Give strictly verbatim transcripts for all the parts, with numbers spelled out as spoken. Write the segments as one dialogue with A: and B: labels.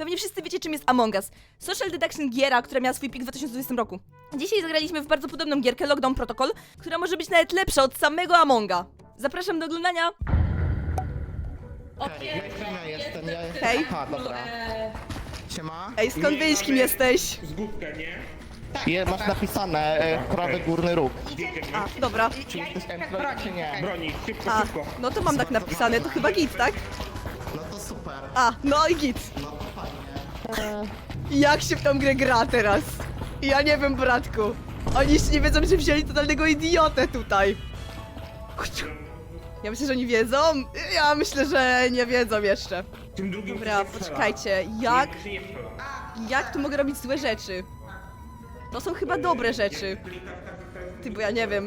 A: Pewnie wszyscy wiecie, czym jest Among Us. Social deduction giera, która miała swój pik w dwa tysiące dwudziestym roku. Dzisiaj zagraliśmy w bardzo podobną gierkę Lockdown Protocol, która może być nawet lepsza od samego Amonga. Zapraszam do oglądania.
B: Okej, ja jestem, ja jestem, ja jestem.
A: Hej.
B: Aha, dobra. Siema.
A: Ej, skąd wiesz, kim jesteś?
C: Zgubkę, nie?
B: Je, masz napisane e, prawy górny róg.
A: A, dobra.
B: Czy jesteś M czy nie?
C: Broni, szybko,
A: A,
C: szybko.
A: no to mam tak napisane, to chyba git, tak?
B: No to super.
A: A, no i git.
B: No to fajnie.
A: Jak się w tą grę gra teraz? Ja nie wiem, bratku. Oni jeszcze nie wiedzą, że wzięli totalnego idiotę tutaj. Ja myślę, że oni wiedzą. Ja myślę, że nie wiedzą jeszcze.
C: Tym drugim
A: Dobra,
C: się nie strzela.
A: poczekajcie. Jak,
C: Nie, się nie strzela.
A: jak tu mogę robić złe rzeczy? To są chyba dobre rzeczy. Ty, bo ja nie wiem.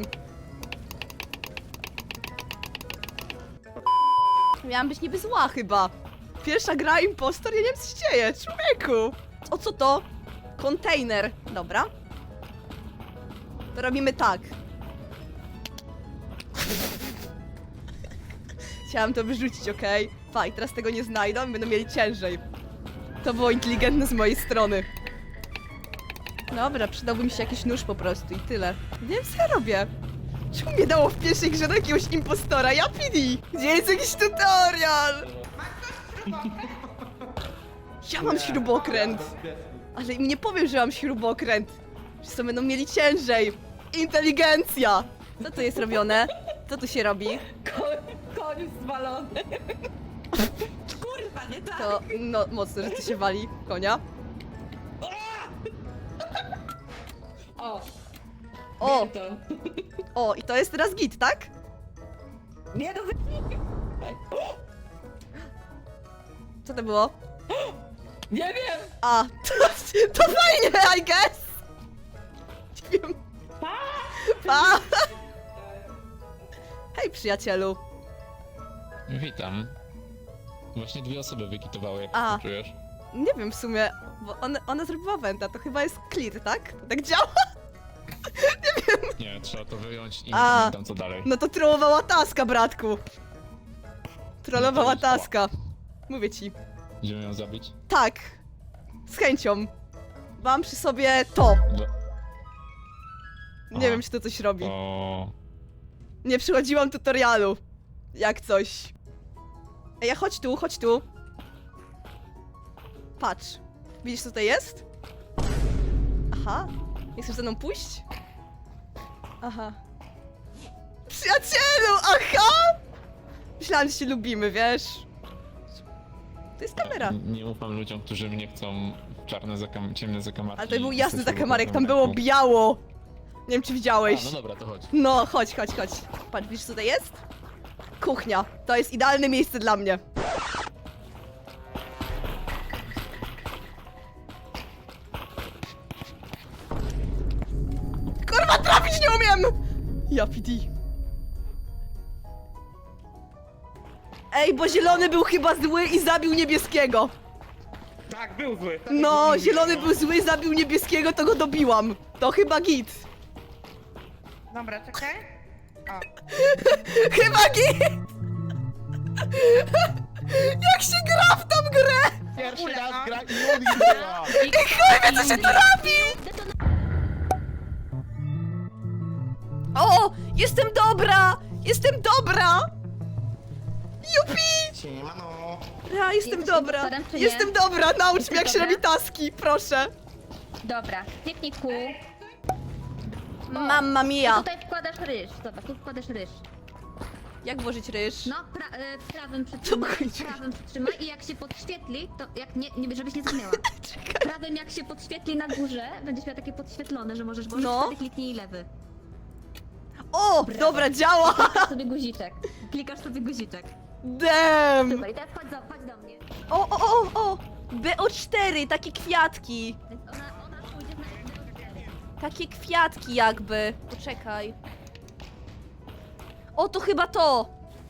A: Miałam być niby zła chyba. Pierwsza gra impostor, ja nie wiem, co się dzieje, człowieku. O co to? Kontener. Dobra. To robimy tak. Chciałam to wyrzucić, okej? Okay? Faj, teraz tego nie znajdą i będą mieli ciężej. To było inteligentne z mojej strony. Dobra, przydałby mi się jakiś nóż po prostu i tyle. Nie wiem, co ja robię. Czemu mnie dało w pierwszej grze do jakiegoś impostora? Ja P D! Gdzie jest jakiś tutorial? Ja mam śrubokręt. Ale im nie powiem, że mam śrubokręt. Wszyscy będą mieli ciężej. Inteligencja! Co tu jest robione? Co tu się robi?
D: Koń zwalony. Kurwa, nie tak.
A: To, no, mocno, że tu się wali konia.
D: O,
A: O,
D: wiem to.
A: o, i to jest teraz git, tak?
D: Nie no, wy...
A: Co to było?
D: Nie wiem.
A: A, to, to fajnie, I guess! Nie wiem. Pa! Hej, przyjacielu.
E: Witam. Właśnie dwie osoby wykitowały, jak
A: A.
E: to czujesz?
A: Nie wiem w sumie, bo ona, ona zrobiła wenta, to chyba jest clear, tak? To tak działa?
E: Nie, trzeba to wyjąć i
A: A.
E: nie wiem co dalej.
A: No to trollowała taska, bratku. Trollowała
E: No to jest
A: taska. Mówię ci.
E: Idziemy ją zabić?
A: Tak. Z chęcią. Mam przy sobie to.
E: Do...
A: Nie
E: Aha.
A: wiem, czy to coś robi.
E: To...
A: Nie przychodziłam tutorialu. Jak coś. Ej, chodź tu, chodź tu. Patrz. Widzisz, co tutaj jest? Aha. Nie chcesz ze mną pójść? Aha. Przyjacielu, aha! Myślałam, że się lubimy, wiesz? To jest kamera.
E: Nie, nie ufam ludziom, którzy mnie chcą w czarne, zakam... ciemne zakamarki.
A: Ale to był
E: i
A: jasny
E: ze sobą
A: zakamarek, tam
E: w
A: było
E: ręku.
A: biało. Nie wiem, czy widziałeś.
E: A, no dobra, to chodź.
A: No, chodź, chodź, chodź. Patrz, widzisz, co to jest? Kuchnia. To jest idealne miejsce dla mnie. Kurwa, trafić nie umiem! Ja P D. Ej, bo zielony był chyba zły i zabił niebieskiego.
C: Tak, był zły.
A: No, zielony był zły, zabił niebieskiego, to go dobiłam. To chyba git.
D: Dobra, czekaj. O.
A: Chyba git! Jak się gra w tą grę?
B: Pierwszy raz gra i Juli była.
A: Kurwa, co się tu robi? O! Jestem dobra! Jestem dobra! Jupi!
B: Siema no.
A: Ja jestem
F: Jesteś
A: dobra.
F: impostorem, czy nie?
A: Jestem dobra, naucz mnie
F: Jesteś
A: jak się
F: dobra?
A: robi taski, proszę.
F: Dobra, kliknij kół.
A: Mamma
F: I
A: mia.
F: tutaj wkładasz ryż. Zobacz, tu wkładasz ryż.
A: Jak włożyć ryż?
F: No, pra, e, prawym przytrzymaj,
A: chodzi?
F: prawym przytrzymaj i jak się podświetli, to jak nie, nie żebyś nie zginęła. Prawym jak się podświetli na górze, będziesz miała takie podświetlone, że możesz włożyć,
A: No.
F: wtedy kliknij lewy.
A: O! Dobra, działa!
F: Klikasz sobie guziczek. Klikasz sobie guziczek.
A: Damn!
F: Super, i teraz chodź do, chodź do mnie.
A: O, o, o, o! B O cztery, takie kwiatki.
F: Więc ona, ona pójdzie na...
A: Takie kwiatki jakby. Poczekaj. O, to chyba to!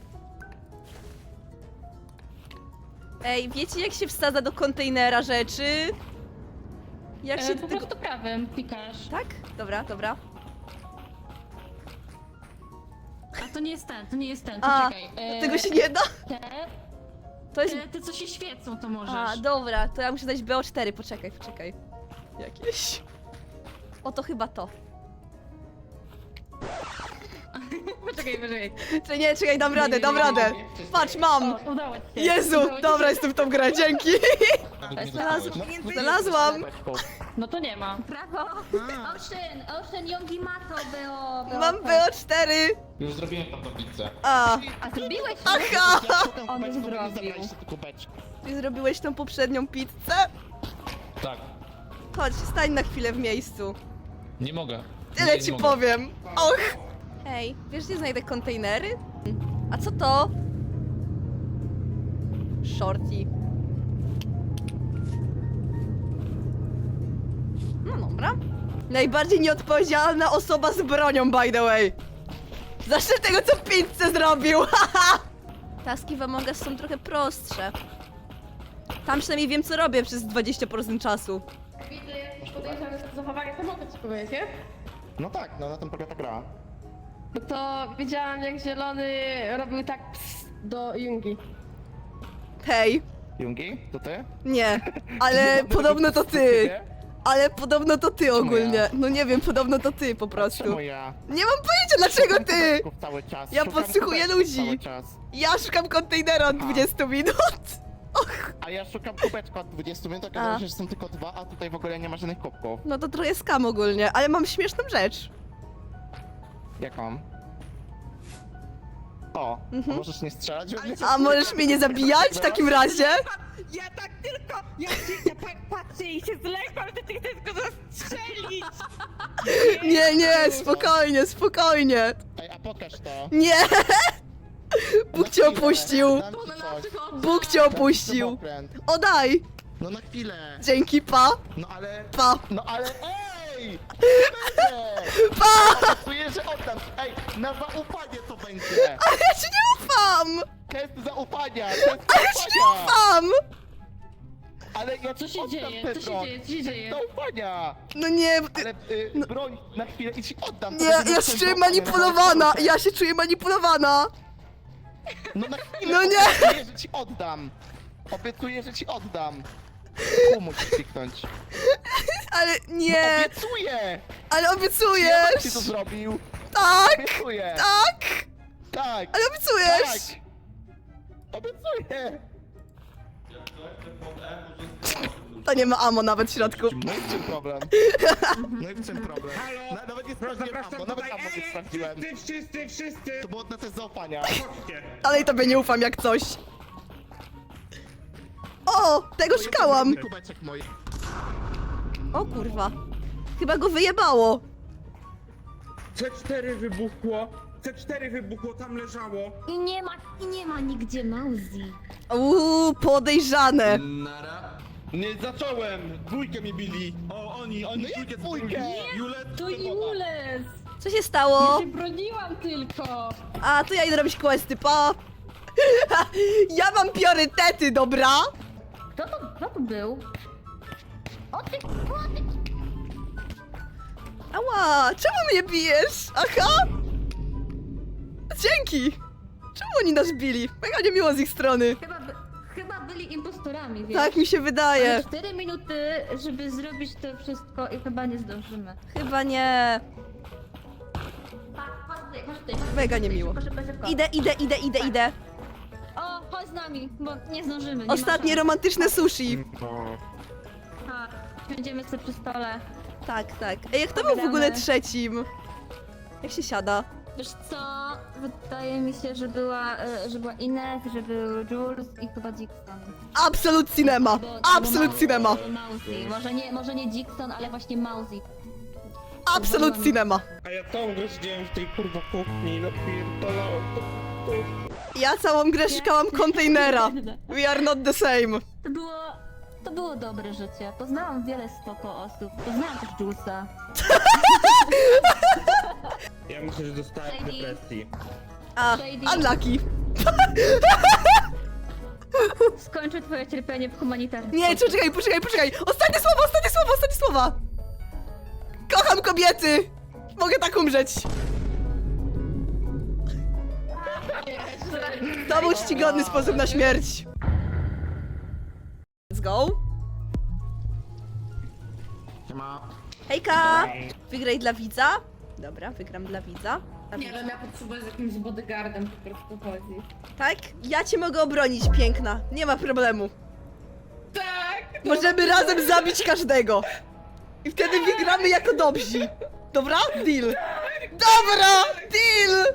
A: Ej, wiecie jak się wsadza do kontenera rzeczy? Jak się
G: E,
A: do
G: po
A: tego...
G: prostu prawym klikasz.
A: Tak? Dobra, dobra.
G: A to nie jest ten, to nie jest ten,
A: A,
G: poczekaj. E,
A: tego się nie da?
G: Te,
A: To jest...
F: Te, te co się świecą, to możesz.
A: A, dobra, to ja muszę dać B O cztery, poczekaj, poczekaj. Jakieś... O, to chyba to.
F: Poczekaj, poczekaj.
A: Czy nie, czekaj, dam radę, dam radę. Patrz, mam!
F: O, udało ci się.
A: Jezu,
F: Udało ci
A: dobra,
F: się.
A: jestem w tą grę, dzięki!
E: Nawet nie
A: Znalazł-
E: dostałeś.
B: No,
A: Znalazłam!
F: No to nie ma. Brawo! Ocean, Ocean Yogi ma to, Beo. Beo.
A: Mam B O cztery!
E: Już zrobiłem tam tablicę.
A: A,
F: A zrobiłeś?
A: aha!
B: Ja szukam
F: On
B: kubeczków,
F: zrobił.
B: nie zabraliście te kubeczki.
A: Ty zrobiłeś tą poprzednią pizzę?
E: Tak.
A: Chodź, stań na chwilę w miejscu.
E: Nie mogę.
A: Tyle
E: nie,
A: ci
E: nie
A: powiem. Och! Hej, wiesz gdzie znajdę kontenery? A co to? Shorty. No dobra. Najbardziej nieodpowiedzialna osoba z bronią, by the way. Zacznę tego, co pizzę zrobił, haha! Taski w Among Us są trochę prostsze. Tam przynajmniej wiem, co robię przez dwadzieścia procent czasu.
G: Widzę jakieś podejrzane zachowanie, to mogę ci powiedzieć, nie?
B: No tak, no na tym polega ta gra.
G: No to widziałam jak Zielony robił tak ps do Jungi.
A: Hej,
B: Jungi, to ty?
A: nie, ale podobno to ty. Ale podobno to ty ogólnie.
B: ja?
A: No nie wiem, podobno to ty po prostu.
B: Czemu ja?
A: Nie mam pojęcia dlaczego
B: Szukam
A: ty!
B: kubeczków cały czas.
A: Ja
B: szukam
A: podsłuchuję
B: kubeczków
A: ludzi.
B: Cały czas.
A: Ja szukam kontenera od dwudziestu minut. Och,
B: A ja szukam kubeczka od dwudziestu minut,
A: A.
B: okazało się, że są tylko dwa, a tutaj w ogóle nie ma żadnych kubków.
A: no to trochę skam ogólnie, ale mam śmieszną rzecz.
B: Jaką? O, a możesz nie strzelać we mnie?
A: A możesz mnie nie zabijać w takim razie?
D: Ja tak tylko, ja się ja tak patrzę i się zlekam, że ty chcesz go zastrzelić!
A: Nie, nie, spokojnie, spokojnie.
B: Ej, a pokaż to.
A: Nie! Bóg cię opuścił.
B: Dam ci coś.
A: Bóg cię
B: Dam ci
A: opuścił.
B: samokręt.
A: O daj!
B: No na chwilę.
A: Dzięki, pa!
B: No ale...
A: Pa!
B: No ale ej! Będzie!
A: Pa!
B: Czuję, że oddam. Ej, na zaufanie to będzie.
A: Ale ja ci nie ufam!
B: Test zaufania, test
A: Ale ja ci nie
B: zaufania.
A: ufam!
B: Ale ja
F: Co się
B: oddam
F: dzieje?
B: ten
F: Co się
B: broń.
F: dzieje? Co się dzieje?
B: Zaufania.
A: No nie, bo ty...
B: Ale y, broń na chwilę i ci oddam. To
A: Nie,
B: będzie
A: ja
B: test
A: się czuję
B: zaufania,
A: manipulowana!
B: no,
A: Ja się czuję manipulowana!
B: No na chwilę
A: No nie.
B: obiecuję, że ci oddam. Obiecuję, że ci oddam. Ku musisz kliknąć.
A: Ale
B: No,
A: nie!
B: obiecuję!
A: Ale
B: Ja
A: obiecujesz!
B: ci to zrobił.
A: Tak!
B: Obiecuję.
A: Tak!
B: Tak.
A: Ale obiecujesz!
B: Tak. Obiecuję.
A: To nie ma ammo nawet w środku.
B: No i w czym problem? No i w czym problem?
C: Halo?
B: Na, nawet nie
C: Proszę,
B: sprawdziłem
C: zapraszam
B: ammo, nawet
C: tutaj.
B: ammo
C: Ej,
B: nie
C: ej,
B: sprawdziłem.
C: wszyscy, wszyscy, wszyscy!
B: To było na test zaufania.
C: Chodźcie.
A: Dalej tobie nie ufam jak coś. O! Tego szukałam!
B: Kubeczek mój.
A: O kurwa. Chyba go wyjebało.
C: C cztery wybuchło. C cztery wybuchło, tam leżało.
F: I nie ma, i nie ma nigdzie Mauzi.
A: Uuu, podejrzane.
H: Nie zacząłem! Dwójkę mi bili! O, oni, oni
B: No jak
H: dwójkę
B: dwójkę?
H: zrobili. Julet,
G: To
H: Stefana.
G: Jules!
A: Co się stało?
G: Ja się broniłam tylko!
A: A, to ja idę robić questy, pa! Ja mam priorytety, dobra?
F: Kto to, kto to był? O ty, o ty.
A: Ała, czemu mnie bijesz? Aha! Dzięki! Czemu oni nas bili? Mega niemiło z ich strony.
F: Chyba, by, chyba byli impostorami, wiesz?
A: Tak mi się wydaje.
F: Ale cztery minuty, żeby zrobić to wszystko i chyba nie zdążymy.
A: Chyba nie.
F: Tak, chodź tutaj, chodź tutaj. chodź
A: Mega
F: tutaj,
A: niemiło.
F: Szybko, szybko, szybko.
A: Idę, idę, idę, idę, idę.
F: O, chodź z nami, bo nie zdążymy. Nie ma
A: Ostatnie
F: szans.
A: romantyczne sushi.
F: Tak, będziemy sobie przy stole.
A: Tak, tak. Ej, kto był w ogóle trzecim? Jak się siada?
F: Wiesz co, wydaje mi się, że była, e, że była Ines, że był Jules i chyba Dixon.
A: Absolut cinema!
F: Albo-
A: Absolut
F: albo
A: cinema!
F: Mauzy, Mauzy. Może nie, może nie Dixon, ale właśnie Mauzy.
A: Absolut cinema!
C: A ja całą grę siedziałem w tej kurwa kuchni, napierdalałem.
A: Ja całą grę szukałam kontenera. We are not the same.
F: To było, to było dobre życie. Poznałam wiele spoko osób. Poznałam też Julesa.
C: Ja myślę, że dostałem
F: Shady.
C: depresji.
A: A,
F: Shady.
A: unlucky.
F: Skończę twoje cierpienie w humanitarnym.
A: Nie, poczekaj, poczekaj, poczekaj. Ostatnie słowa, ostatnie słowa, ostatnie słowa. Kocham kobiety. Mogę tak umrzeć. To był czcigodny sposób na śmierć. go. Hejka! Wygraj dla widza. Dobra, wygram dla widza. Dla
G: Nie
A: widza.
G: wiem, ja potrzebuję z jakimś bodyguardem, po prostu chodzi.
A: Tak? Ja cię mogę obronić, piękna. Nie ma problemu.
G: Tak!
A: Możemy razem zabić każdego. I wtedy wygramy jako dobrzy. Dobra? Deal. Dobra! Deal!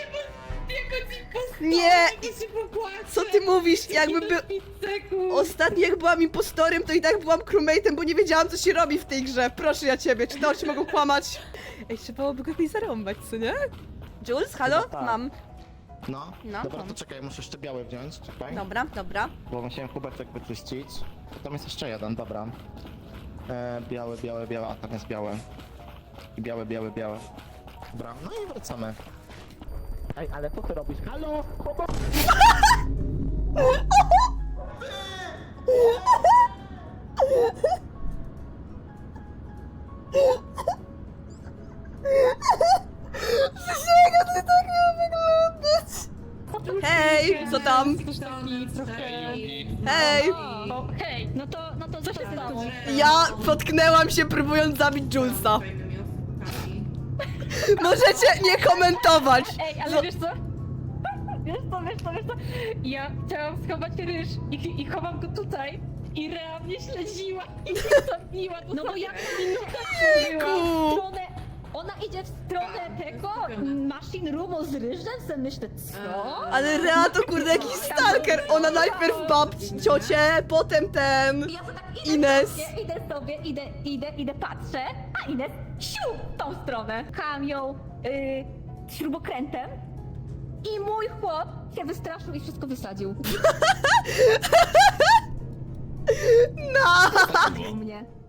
A: Nie! Co ty mówisz? Jakby by... Ostatnio jak byłam impostorem, to i tak byłam crewmate'em, bo nie wiedziałam, co się robi w tej grze. Proszę ja ciebie, czy te oczy mogą kłamać? Ej, trzeba byłoby go jakoś zarąbać, co nie? Jules, halo?
B: Chyba tak.
A: Mam.
B: No,
A: No,
B: dobra,
A: mam.
B: to czekaj, muszę jeszcze biały wziąć, czekaj.
A: Dobra, dobra.
B: Bo musiałem kubertek wyczyścić. Tam jest jeszcze jeden, dobra. E, biały, biały, biały, a tam jest biały. I biały, biały, biały. Dobra, no i wracamy. Ej, ale co ty robisz? Halo? Chłopak!
A: Hej, co tam? Hej!
F: Hej, no to, no to co się stało?
A: Ja potknęłam się próbując zabić Julesa. Możecie nie komentować.
F: Ej, ale wiesz co? Wiesz co, wiesz co, wiesz co? Ja chciałam schować ryż i, i chowam go tutaj. I Rea mnie śledziła i mnie zabiła. No bo jak minuta była w stronę... Ona idzie w stronę tego machine roomu z ryżem, sobie myślę, co?
A: Ale Rea to kurde jakiś stalker. Ona najpierw babci, ciocię, potem ten...
F: I ja to tak idę
A: Ines.
F: sobie, idę sobie, idę, idę, idę, patrzę, a Ines siu w tą stronę. Pchałam ją y, śrubokrętem i mój chłop się wystraszył i wszystko wysadził.
A: No!
F: U mnie.